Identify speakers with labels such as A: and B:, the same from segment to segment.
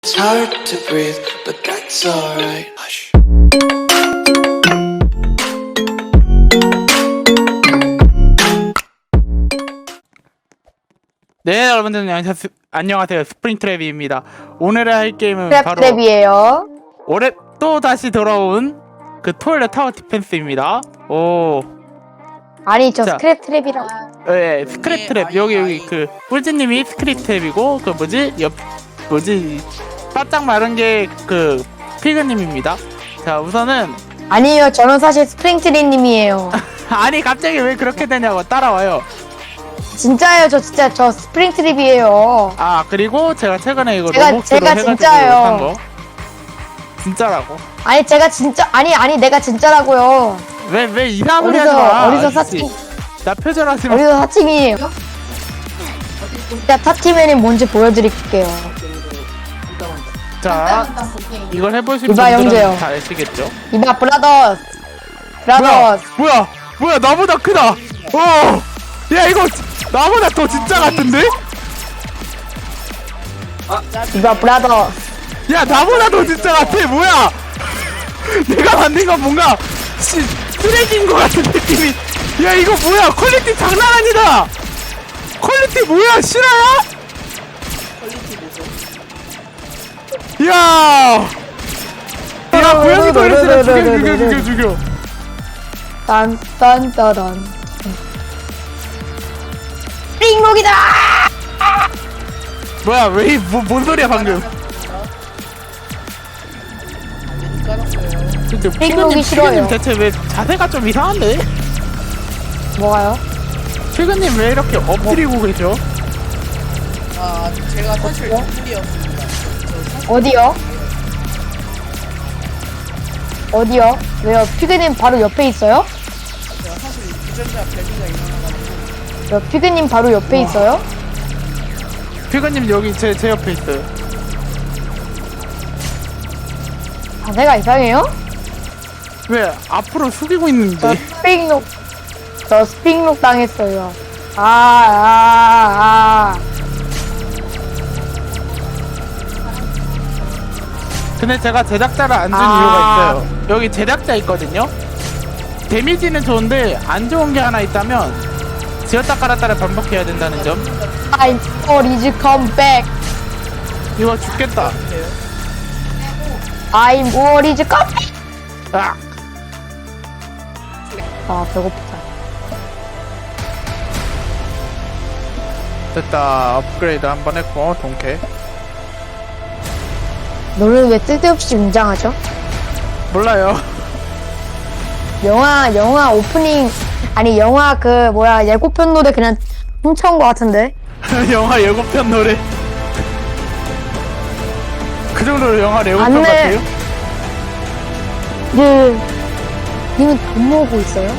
A: It's hard to breathe, but that's alright. Hush.
B: 네, 여러분들 안녕하세요. 스프링트랩입니다. 오늘 할 게임은 바로
C: 트랩이에요.
B: 올해 또 다시 돌아온 그 토일렛 타워 디펜스입니다. 오,
C: 아니 저
B: 자.
C: 스크랩 트랩이라고.
B: 예, 스크랩 트랩. 여기 그 꿀지님이 스크랩 트랩이고 그 바짝 마른 게 그 피그님입니다. 자, 우선은
C: 아니요, 저는 사실 스프링트리님이에요.
B: 아니 갑자기 왜 그렇게 되냐고 따라와요.
C: 진짜예요, 저 스프링 트랩이에요.
B: 아, 그리고 제가 최근에 이거
C: 제가
B: 로봇으로 해가지고
C: 진짜예요.
B: 산 거. 진짜라고.
C: 아니 제가 진짜 아니 내가 진짜라고요.
B: 왜 이상한 소리 하지 마.
C: 어디서
B: 아저씨.
C: 사칭
B: 나 표절하지 마.
C: 어디서 사칭이에요? 제가 타티맨이 뭔지 보여드릴게요.
B: 자, 이걸 해보신
C: 이봐,
B: 분들은
C: 형제요.
B: 다 아시겠죠?
C: 이봐 브라더스.
B: 뭐야, 나보다 크다. 야, 이거 나보다 더 진짜 같은데?
C: 이봐 브라더스.
B: 야, 나보다 더 진짜 같아. 뭐야? 내가 만든 건 뭔가 쓰레기인 것 같은 느낌이. 야, 이거 뭐야? 퀄리티 장난 아니다. 퀄리티 뭐야? 실화야? 야, 고양이 토이렛이라 죽여.
C: 딴딴따란. 띵목이다.
B: 뭐야, 뭔 소리야 방금? 근데
C: 띵목이 싫어요.
B: 대체 왜 자세가 좀 이상한데?
C: 뭐가요?
B: 최근님 왜 이렇게 엎드리고 계셔?
D: 아, 제가 사실 동물이었습니다.
C: 어디요? 왜요? 피그님 바로 옆에 있어요?
D: 제가 사실 유전자 밸류가 일어나가지고
C: 피그님 바로 옆에 있어요?
B: 최근님 여기 제 옆에 있어요.
C: 자세가 이상해요?
B: 왜 앞으로 숙이고 있는데?
C: 저 스픽록 당했어요. 아.
B: 근데 제가 제작자를 안 준 이유가 있어요. 여기 제작자 있거든요. 데미지는 좋은데 안 좋은 게 하나 있다면 지었다 깔았다를 반복해야 된다는 점.
C: I'm always come back.
B: 이거 죽겠다.
C: I'm always come back.
B: 아,
C: 아, 배고프다.
B: 됐다. 업그레이드 한번 했고 동캐.
C: 너는 왜 쓸데없이 웅장하죠?
B: 몰라요.
C: 영화 오프닝 영화 예고편 노래 그냥 훔쳐온 것 같은데.
B: 영화 예고편 노래. 그 정도로 영화 예고편
C: 안 내.
B: 같아요?
C: 님은 돈 모으고 있어요?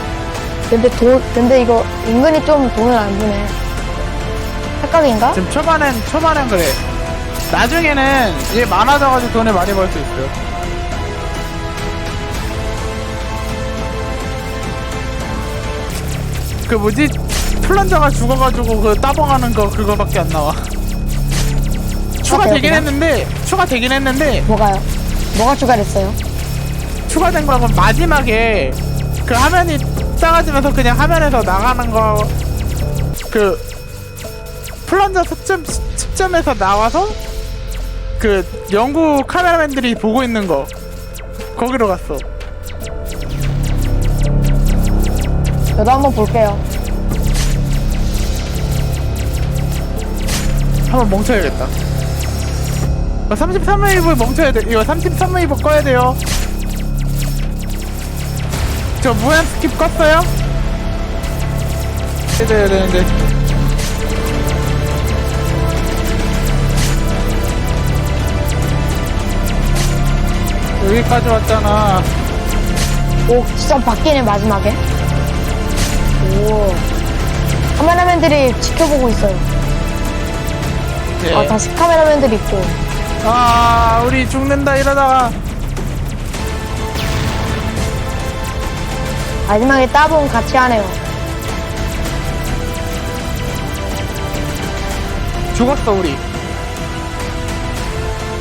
C: 근데 이거 은근히 좀 돈을 안 주네. 착각인가?
B: 지금 초반엔 그래. 나중에는 이게 많아져가지고 돈을 많이 벌 수 있어요. 그 뭐지? 플런저가 죽어가지고 그 따봉하는 거 그거밖에 안 나와. 추가되긴 했는데
C: 뭐가요? 뭐가 추가됐어요?
B: 추가된 거는 마지막에 그 화면이 작아지면서 그냥 화면에서 나가는 거 그 플런저 측점에서 나와서 그 영국 카메라맨들이 보고 있는 거 거기로 갔어.
C: 저도 한번 볼게요.
B: 한번 멈춰야겠다. 33웨이브 멈춰야 돼. 이거 33웨이브 꺼야 돼요. 저 무한 스킵 껐어요? 해줘야 되는데. 여기까지 왔잖아.
C: 오, 진짜 바뀌네 마지막에. 오, 카메라맨들이 지켜보고 있어요.
B: 네.
C: 다시 카메라맨들이 있고.
B: 우리 죽는다 이러다가.
C: 마지막에 따봉 같이 하네요.
B: 죽었어 우리.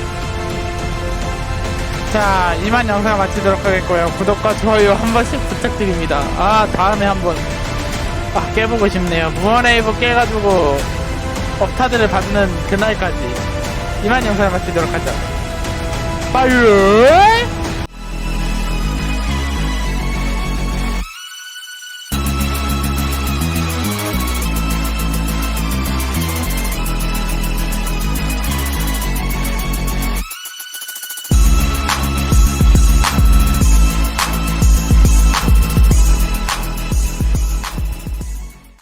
B: 자, 이만 영상 마치도록 하겠고요. 구독과 좋아요 한 번씩 부탁드립니다. 아, 다음에 한번 깨보고 싶네요. 무언웨이브 깨가지고 업타드를 받는 그날까지 이만 영상을 마치도록 하죠. 빠이.